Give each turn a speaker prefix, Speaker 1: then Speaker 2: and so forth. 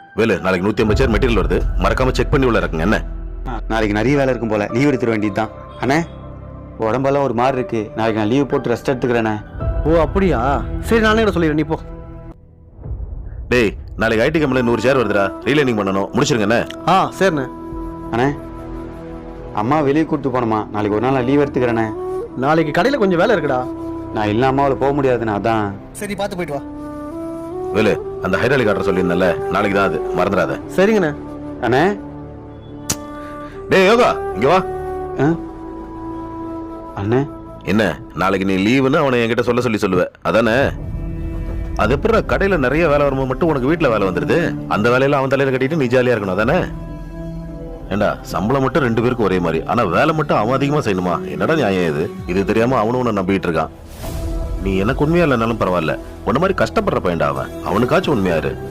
Speaker 1: வேலு, நாளைக்கு 150 சேர் மெட்டீரியல் வருது, மறக்காம செக் பண்ணி உள்ள இருக்குங்க. என்ன
Speaker 2: நாளைக்கு நிறைய வேலை இருக்கும் போல, லீவ் எடுத்துட வேண்டியதுதான். அண்ணே, உடம்பெல்லாம் ஒரு மாதிரி இருக்கு, நாளைக்கு நான் லீவ் போட்டு ரெஸ்ட் எடுத்துக்கிறேண்ணே.
Speaker 3: ஓ அப்படியா, சரி நானே கூட சொல்லிடுறேன், நீ போ.
Speaker 1: டேய், நாளைக்கு ஐடி கம்பெனில 100 சேர் வருதுடா, ரீலைனிங் பண்ணணும், முடிச்சிருங்க. என்ன
Speaker 3: சரிண்ணே.
Speaker 2: அண்ணே, அம்மா வெளியே கூப்பிட்டு போனோமா, நாளைக்கு ஒரு நாள் நான் லீவ் எடுத்துக்கிறேண்ணே.
Speaker 3: நாளைக்கு கடையில் கொஞ்சம் வேலை இருக்குடா.
Speaker 2: நான் இல்ல அம்மாவில் போக முடியாதுண்ணே, அதான்.
Speaker 3: சரி, பார்த்து போயிட்டு வா.
Speaker 1: வேலு, அந்த ஹைட்ராலிக் காட்டுற சொல்லியிருந்தேன்ல, நாளைக்கு தான், அது மறந்துடாத.
Speaker 3: சரிங்கண்ணே.
Speaker 2: அண்ணே,
Speaker 1: டேய் யோகா, இங்க வா.
Speaker 2: அண்ணே,
Speaker 1: என்ன நாளைக்கு நீ லீவுன்னு அவனை என்கிட்ட சொல்லுவ, அதானே? அது எப்படி கடையில நிறைய வேலை வரும்போது மட்டும் உனக்கு வீட்டுல வேலை வந்துருது? அந்த வேலையில அவன் தலையில கட்டிட்டு நீ ஜாலியா இருக்கணும், அதானே? ஏண்டா, சம்பளம் மட்டும் 2 பேருக்கும் ஒரே மாதிரி, ஆனா வேலை மட்டும் அவன் அதிகமா செய்யணுமா? என்னடா நியாயம் இது தெரியாம அவனும் உன்னை நம்பிட்டு இருக்கான். நீ எனக்கு உண்மையா இல்லைனாலும் பரவாயில்ல, உன்ன மாதிரி கஷ்டப்படுற பையன்டா அவன், அவனுக்காச்சும் உண்மையாரு.